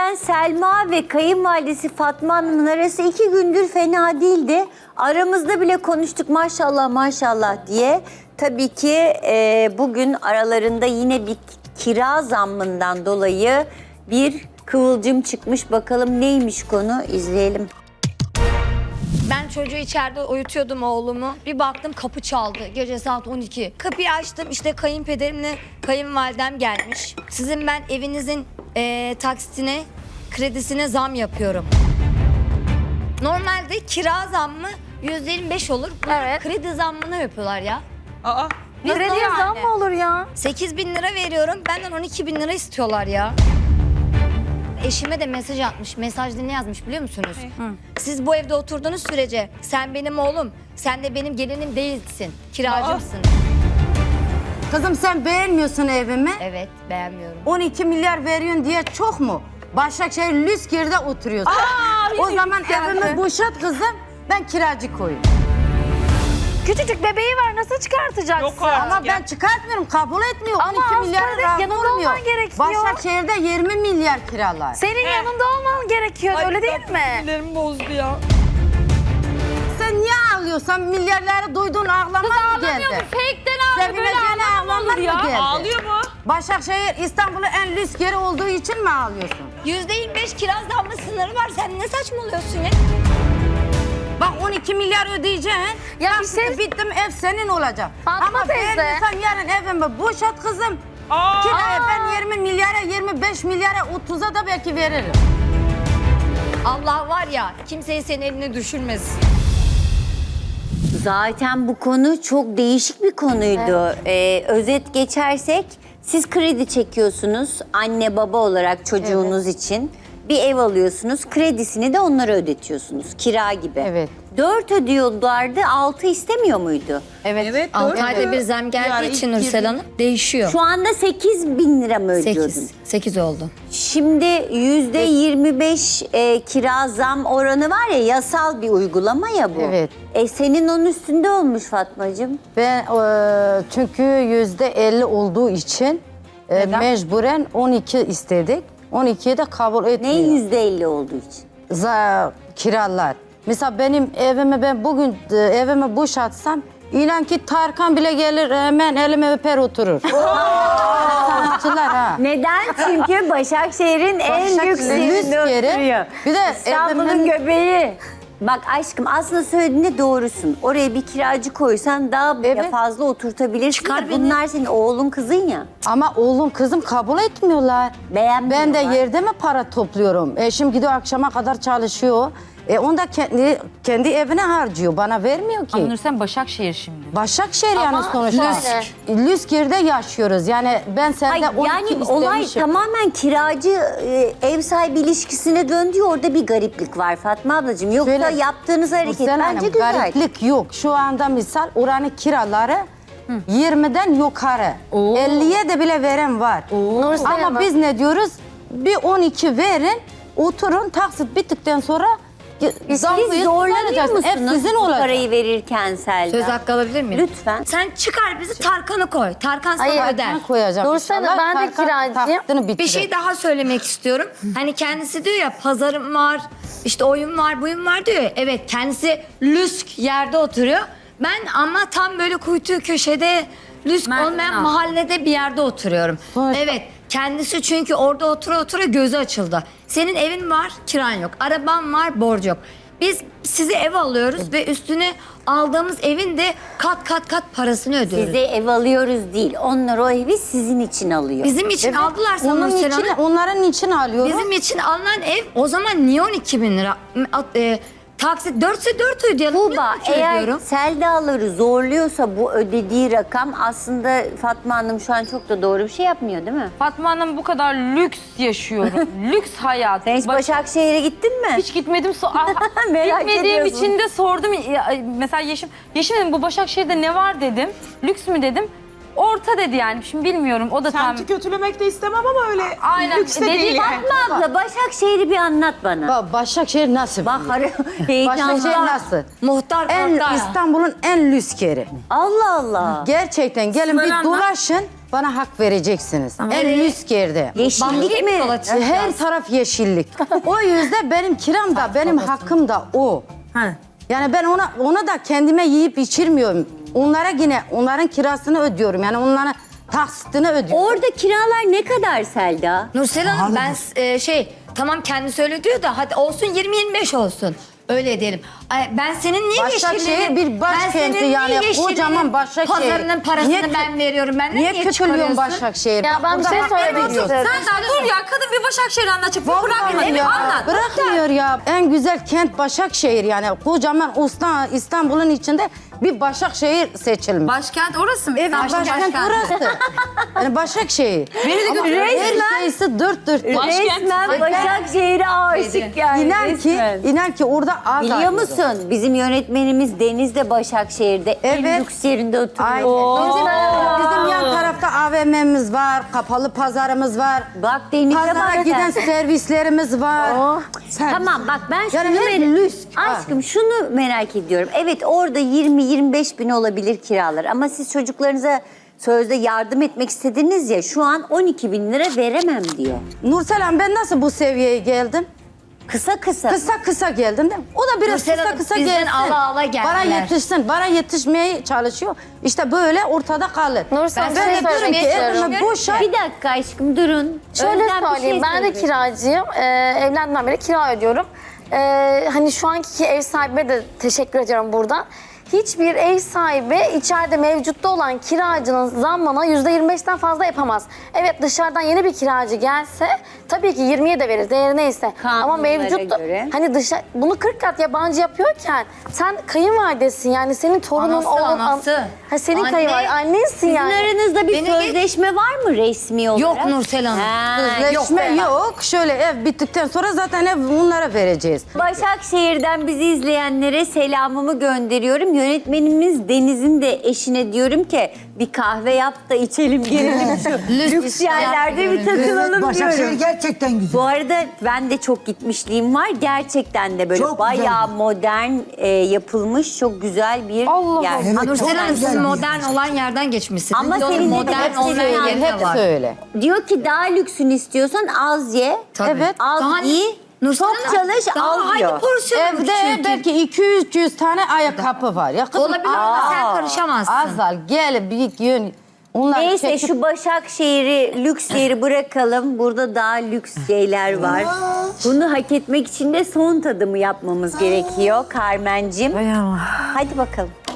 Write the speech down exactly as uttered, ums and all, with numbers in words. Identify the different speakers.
Speaker 1: Zaten Selma ve kayınvalidesi Fatma Hanım'ın arası iki gündür fena değildi. Aramızda bile konuştuk maşallah maşallah diye. Tabii ki e, bugün aralarında yine bir kira zammından dolayı bir kıvılcım çıkmış. Bakalım neymiş konu, izleyelim.
Speaker 2: Ben çocuğu içeride uyutuyordum oğlumu. Bir baktım kapı çaldı. Gece saat on iki. Kapıyı açtım, işte kayınpederimle kayınvalidem gelmiş. Sizin ben evinizin eee, taksitine, kredisine zam yapıyorum. Normalde kira zammı yüzde yirmi beş olur. Evet. Kredi zammını yapıyorlar ya.
Speaker 3: Aa.
Speaker 2: Krediye
Speaker 4: zam mı olur ya?
Speaker 2: sekiz bin lira veriyorum. Benden on iki bin lira istiyorlar ya. Eşime de mesaj atmış. Mesajda ne yazmış biliyor musunuz? Siz bu evde oturduğunuz sürece sen benim oğlum, sen de benim gelinim değilsin. Kiracımsın.
Speaker 5: Kızım sen beğenmiyorsun evimi.
Speaker 2: Evet, beğenmiyorum.
Speaker 5: on iki milyar veriyorsun diye çok mu? Başakşehir Lüskir'de oturuyorsun.
Speaker 4: Aa,
Speaker 5: o zaman
Speaker 4: geldi.
Speaker 5: evimi boşalt kızım. Ben kiracı koyayım.
Speaker 4: Küçücük bebeği var, nasıl çıkartacaksın?
Speaker 3: Yok artık.
Speaker 5: Ama ben çıkartmıyorum, kabul etmiyor.
Speaker 4: Ama
Speaker 5: on iki milyar
Speaker 4: Avrupa'da
Speaker 5: razı
Speaker 4: yanında
Speaker 5: olmuyor.
Speaker 4: olman gerekiyor.
Speaker 5: Başakşehir'de yirmi milyar kiralar.
Speaker 4: Senin yanında olman gerekiyor, öyle değil mi?
Speaker 3: Sinirlerimi bozdu ya.
Speaker 5: Sen niye ağlıyorsan milyarları duyduğun ağlaman mı geldi?
Speaker 4: Fake'den ağlıyor, böyle
Speaker 5: Sevineceğine
Speaker 4: ağlaman
Speaker 5: ağlaman
Speaker 4: olur ya.
Speaker 5: mı geldi?
Speaker 3: Ağlıyor mu?
Speaker 5: Başakşehir İstanbul'un en lüks yeri olduğu için mi ağlıyorsun?
Speaker 2: yüzde yirmi beş kira zammı sınırı var. Sen ne saçmalıyorsun ya?
Speaker 5: Bak on iki milyar ödeyeceksin.
Speaker 4: Ya
Speaker 5: Bak
Speaker 4: bir şey-
Speaker 5: bittim ev senin olacak.
Speaker 4: Fatma
Speaker 5: Ama
Speaker 4: teyze.
Speaker 5: beğenmiyorsan yarın evimi boşalt kızım.
Speaker 3: Aa.
Speaker 5: Kiraya ben yirmi milyara, yirmi beş milyara, otuza da belki veririm.
Speaker 2: Allah var ya, kimseyi senin eline düşürmesin.
Speaker 1: Zaten bu konu çok değişik bir konuydu. Ee, özet geçersek siz kredi çekiyorsunuz anne baba olarak çocuğunuz için. Bir ev alıyorsunuz, kredisini de onlara ödetiyorsunuz kira gibi.
Speaker 5: Evet.
Speaker 1: Dört ödüyorlardı, altı istemiyor muydu?
Speaker 5: Evet.
Speaker 3: Evet.
Speaker 2: altı
Speaker 3: doğru.
Speaker 2: ayda bir zam geldiği
Speaker 3: Yani
Speaker 2: için
Speaker 3: ilk
Speaker 2: Nursel Hanım değişiyor.
Speaker 1: Şu anda sekiz bin lira mı ödüyordun?
Speaker 2: sekiz. sekiz oldu.
Speaker 1: Şimdi yüzde yirmi beş e, kira zam oranı var ya, yasal bir uygulama ya bu.
Speaker 5: Evet.
Speaker 1: E, senin onun üstünde olmuş Fatmacığım.
Speaker 5: Ben e, çünkü yüzde elli olduğu için e, mecburen on iki istedik. on ikiyi de kabul
Speaker 1: Ne
Speaker 5: etmiyor.
Speaker 1: yüzde elli olduğu için?
Speaker 5: Za, kiralar. Mesela benim evimi ben bugün e, evimi boşaltsam inan ki Tarkan bile gelir hemen elime öper oturur. Sanatçılar ha.
Speaker 1: Neden? Çünkü Başakşehir'in en
Speaker 5: Başakşehir
Speaker 1: lüks
Speaker 5: lüks
Speaker 1: yerinde
Speaker 5: yeri.
Speaker 1: oturuyor.
Speaker 5: Bir de
Speaker 1: İstanbul'un
Speaker 5: evimin-
Speaker 1: göbeği. Bak aşkım aslında söylediğinde doğrusun. Oraya bir kiracı koysan daha bile
Speaker 5: Evet.
Speaker 1: fazla oturtabilirsin.
Speaker 2: Çıkar
Speaker 1: de
Speaker 2: beni.
Speaker 1: bunlar senin oğlun kızın ya.
Speaker 5: Ama oğlum kızım kabul etmiyorlar.
Speaker 1: Beğenmiyorlar.
Speaker 5: Ben de yerde mi para topluyorum? Eşim gidiyor akşama kadar çalışıyor. E onu da kendi kendi evine harcıyor. Bana vermiyor ki.
Speaker 6: Ama Nursen Başakşehir şimdi.
Speaker 5: Başakşehir yani sonuçta.
Speaker 4: şöyle.
Speaker 5: Lüskir'de yaşıyoruz. Yani ben sende
Speaker 1: Ay,
Speaker 5: on iki
Speaker 1: yani
Speaker 5: istemişim.
Speaker 1: olay tamamen kiracı e, ev sahibi ilişkisine döndü. Orada bir gariplik var Fatma ablacığım. Yoksa
Speaker 5: Şöyle,
Speaker 1: yaptığınız hareket
Speaker 5: Nursel
Speaker 1: bence
Speaker 5: Hanım,
Speaker 1: güzel.
Speaker 5: gariplik yok. Şu anda misal oranın kiraları yirmiden yukarı. elliye de bile veren var.
Speaker 4: Nursel
Speaker 5: Ama
Speaker 4: Hanım.
Speaker 5: biz ne diyoruz? Bir on iki verin, oturun, taksit bittikten sonra
Speaker 1: Siz
Speaker 5: zamlıyı
Speaker 1: zorlanıyor
Speaker 5: kullanacaksınız. Ev
Speaker 1: musunuz
Speaker 5: sizin
Speaker 1: bu
Speaker 5: olacak.
Speaker 1: parayı verirken Selda?
Speaker 2: Söz hakkı alabilir miyim?
Speaker 1: Lütfen.
Speaker 2: Sen çıkar bizi Tarkan'a koy. Tarkan sana
Speaker 4: Hayır,
Speaker 2: öder.
Speaker 5: Ben koyacağım
Speaker 4: Nursel Hanım,
Speaker 5: inşallah.
Speaker 4: ben de
Speaker 5: Tarkan
Speaker 4: kiracıyım.
Speaker 5: taksitini
Speaker 2: Bir
Speaker 5: bitirir.
Speaker 2: şey daha söylemek istiyorum. Hani kendisi diyor ya pazarım var, işte oyun var, buyum var diyor ya. Evet, kendisi lüsk yerde oturuyor. Ben ama tam böyle kuytu köşede lüsk
Speaker 6: Merdiven
Speaker 2: olmayan
Speaker 6: altı.
Speaker 2: mahallede bir yerde oturuyorum.
Speaker 5: Sonuçta-
Speaker 2: Evet, kendisi çünkü orada otura otura gözü açıldı. Senin evin var, kiran yok. Araban var, borcu yok. Biz sizi ev alıyoruz ve üstüne aldığımız evin de kat kat kat parasını ödüyoruz.
Speaker 1: Size ev alıyoruz değil. Onlar o evi sizin için alıyor.
Speaker 2: Bizim için aldılar sana
Speaker 5: Onun
Speaker 2: Nursel
Speaker 5: için,
Speaker 2: Hanım.
Speaker 5: onların için alıyorum.
Speaker 2: Bizim için alınan ev o zaman niye on iki bin lira? E, taksit dörtse dört ödeyelim.
Speaker 1: Tuğba,
Speaker 2: niye üç
Speaker 1: eğer
Speaker 2: ödüyorum?
Speaker 1: Seldaları zorluyorsa bu ödediği rakam, aslında Fatma Hanım şu an çok da doğru bir şey yapmıyor değil mi?
Speaker 6: Fatma Hanım bu kadar lüks yaşıyorum. lüks hayat.
Speaker 1: Sen hiç
Speaker 6: Bak-
Speaker 1: Başakşehir'e gittin mi?
Speaker 6: hiç gitmedim. So Ah,
Speaker 1: Merak
Speaker 6: Gitmediğim
Speaker 1: ediyorsun.
Speaker 6: için de sordum. Ya, mesela Yeşim, Yeşim dedim bu Başakşehir'de ne var dedim. Lüks mü dedim. Orta dedi yani. Şimdi bilmiyorum. O da tam...
Speaker 3: Semti kötülemek de istemem ama öyle
Speaker 6: Aynen,
Speaker 3: lüks de
Speaker 6: dediği
Speaker 3: değil yani.
Speaker 1: Fatma abla Başakşehir'i bir anlat bana.
Speaker 5: Ba- Başakşehir nasıl?
Speaker 1: Bak
Speaker 5: Başakşehir
Speaker 1: heyecanlı.
Speaker 5: nasıl?
Speaker 2: Muhtar
Speaker 5: En
Speaker 2: muhtar.
Speaker 5: İstanbul'un en lüks yeri.
Speaker 1: Allah Allah.
Speaker 5: Gerçekten gelin
Speaker 6: Sınır
Speaker 5: bir
Speaker 6: anlat.
Speaker 5: dolaşın. bana hak vereceksiniz. En üst yerde.
Speaker 1: Yeşillik mi?
Speaker 5: Her taraf yeşillik. O yüzden benim kiram da benim hakkım da o. Yani ben ona ona da kendime yiyip içirmiyorum. Onlara yine onların kirasını ödüyorum. Yani onların taksitini ödüyorum.
Speaker 1: Orada kiralar ne kadar Selda?
Speaker 2: Nursel Hanım ben e, şey tamam kendi söyle diyor da hadi olsun yirmi yirmi beş olsun. Öyle diyelim. Ay, ben senin niye
Speaker 5: Başakşehir
Speaker 2: yeşillerin...
Speaker 5: bir
Speaker 2: ben
Speaker 5: başkenti
Speaker 2: senin niye
Speaker 5: yani,
Speaker 2: yeşillerin
Speaker 5: kocaman Başakşehir.
Speaker 2: Pazarının parasını
Speaker 5: Niye kö-
Speaker 2: ben veriyorum. Ben
Speaker 5: Niye
Speaker 2: niye
Speaker 5: kötülüyorsun
Speaker 2: çıkarıyorsun?
Speaker 5: Başakşehir?
Speaker 4: Ya ben bir
Speaker 5: Burada
Speaker 4: şey
Speaker 5: hak
Speaker 4: söylemek
Speaker 5: veriyorsun.
Speaker 4: istiyorum.
Speaker 6: Sen dur ya kadın bir Başakşehir anlatacak. Bir bırakma
Speaker 5: Vallahi
Speaker 6: beni
Speaker 5: ya,
Speaker 6: anlat.
Speaker 5: bırakmıyor ya. En güzel kent Başakşehir yani. Kocaman Usta- İstanbul'un içinde bir Başakşehir seçilmiş.
Speaker 6: Başkent orası mı?
Speaker 5: Evet, başkent orası. Yani Başakşehir. Ama her şeysi dört dört.
Speaker 1: Resmen Başakşehir'e aşık yani.
Speaker 5: İnan ki,
Speaker 1: resmen.
Speaker 5: inan ki orada az
Speaker 1: Biliyor
Speaker 5: ayrıldı.
Speaker 1: musun? Bizim yönetmenimiz Deniz de Başakşehir'de en
Speaker 5: Evet.
Speaker 1: lüks yerinde oturuyor.
Speaker 5: Aynen. Bizim, bizim yan tarafta A V M'miz var, kapalı pazarımız var.
Speaker 1: Bak Deniz'e
Speaker 5: Pazara
Speaker 1: bak
Speaker 5: giden
Speaker 1: sen.
Speaker 5: servislerimiz var.
Speaker 1: Tamam bak ben şunu
Speaker 5: Yani her
Speaker 1: merak-
Speaker 5: lüks.
Speaker 1: Aşkım şunu merak ediyorum. Evet orada yirmi yirmi beş bin olabilir kiralar ama siz çocuklarınıza sözde yardım etmek istediniz ya şu an on iki bin lira veremem diyor.
Speaker 5: Nursel Hanım ben nasıl bu seviyeye geldim?
Speaker 1: Kısa kısa.
Speaker 5: Kısa kısa geldim değil mi? O da biraz
Speaker 2: Nursel
Speaker 5: kısa
Speaker 2: Hanım,
Speaker 5: kısa
Speaker 2: bizden
Speaker 5: gelsin.
Speaker 2: ala ala geldiler.
Speaker 5: Bana yetişsin, bana yetişmeye çalışıyor. İşte böyle ortada kalır.
Speaker 4: Nursel,
Speaker 5: ben
Speaker 4: bir şey
Speaker 5: de diyorum
Speaker 4: söylemek
Speaker 5: ki
Speaker 4: istiyorum.
Speaker 5: evime boşa.
Speaker 1: Bir dakika aşkım durun.
Speaker 4: Şöyle
Speaker 1: Özlem bir şey
Speaker 4: söyleyeyim, ben de
Speaker 1: söyleyecek.
Speaker 4: kiracıyım. Ee, evlendiğimden beri kira ödüyorum. Ee, hani şu anki ev sahibime de teşekkür ediyorum buradan. Hiçbir ev sahibi içeride mevcutta olan kiracının zammına yüzde yirmi beşten fazla yapamaz. Evet dışarıdan yeni bir kiracı gelse tabii ki yirmiye de verir değeri neyse. Ama
Speaker 1: Kanunlara
Speaker 4: mevcut
Speaker 1: göre.
Speaker 4: hani dışarı bunu kırk kat yabancı yapıyorken sen kayınvalidesin yani senin torunun
Speaker 2: Anası,
Speaker 4: oğlun an-
Speaker 2: anası.
Speaker 4: Ha, senin
Speaker 2: Anne.
Speaker 4: kayınvaliden annensin
Speaker 1: Sizin
Speaker 4: yani.
Speaker 1: aranızda bir
Speaker 2: Beni
Speaker 1: sözleşme var mı resmi olarak?
Speaker 2: Yok Nursel Hanım.
Speaker 1: Ha,
Speaker 5: Sözleşme
Speaker 1: yok.
Speaker 5: yok. Şöyle ev bittikten sonra zaten ev bunlara vereceğiz.
Speaker 1: Başakşehir'den bizi izleyenlere selamımı gönderiyorum. Yönetmenimiz Deniz'in de eşine diyorum ki bir kahve yap da içelim gelelim şu lüks yerlerde bir takılalım
Speaker 7: Başakşehir
Speaker 1: diyorum.
Speaker 7: gerçekten güzel.
Speaker 1: Bu arada ben de çok gitmişliğim var. Gerçekten de böyle
Speaker 7: Çok
Speaker 1: bayağı
Speaker 7: güzel.
Speaker 1: modern e, yapılmış çok güzel bir
Speaker 6: Allah
Speaker 1: yer.
Speaker 6: Allah.
Speaker 7: Evet,
Speaker 2: Ha, Nursel
Speaker 7: çok
Speaker 2: Hanım
Speaker 7: güzel
Speaker 2: siz
Speaker 7: bir
Speaker 2: modern
Speaker 7: yer.
Speaker 2: olan yerden geçmişsiniz.
Speaker 1: Ama
Speaker 2: Bir de onun
Speaker 1: senin de
Speaker 2: modern
Speaker 1: hepsi
Speaker 2: olmayan
Speaker 1: öyle,
Speaker 2: yeri de
Speaker 5: Hepsi
Speaker 2: var.
Speaker 5: öyle.
Speaker 1: Diyor ki daha lüksünü istiyorsan az ye.
Speaker 2: Tabii.
Speaker 5: Evet.
Speaker 1: Az
Speaker 2: Daha-
Speaker 1: ye.
Speaker 2: Nursel
Speaker 1: Çok
Speaker 2: Hanım,
Speaker 1: çalış
Speaker 2: daha
Speaker 1: al
Speaker 2: hangi
Speaker 1: diyor.
Speaker 2: porsiyonu
Speaker 5: Evde
Speaker 2: küçülteyim?
Speaker 5: belki iki yüz üç yüz tane ayakkabı var. Ya kızım,
Speaker 2: Olabilir ama sen
Speaker 1: Aa,
Speaker 2: karışamazsın.
Speaker 5: Azal gel bir gün. Onlar
Speaker 1: Neyse
Speaker 5: çekip-
Speaker 1: şu Başakşehir'i lüks yeri bırakalım. Burada daha lüks şeyler var. Bunu hak etmek için de son tadımı yapmamız gerekiyor Carmen'cim. Hadi bakalım.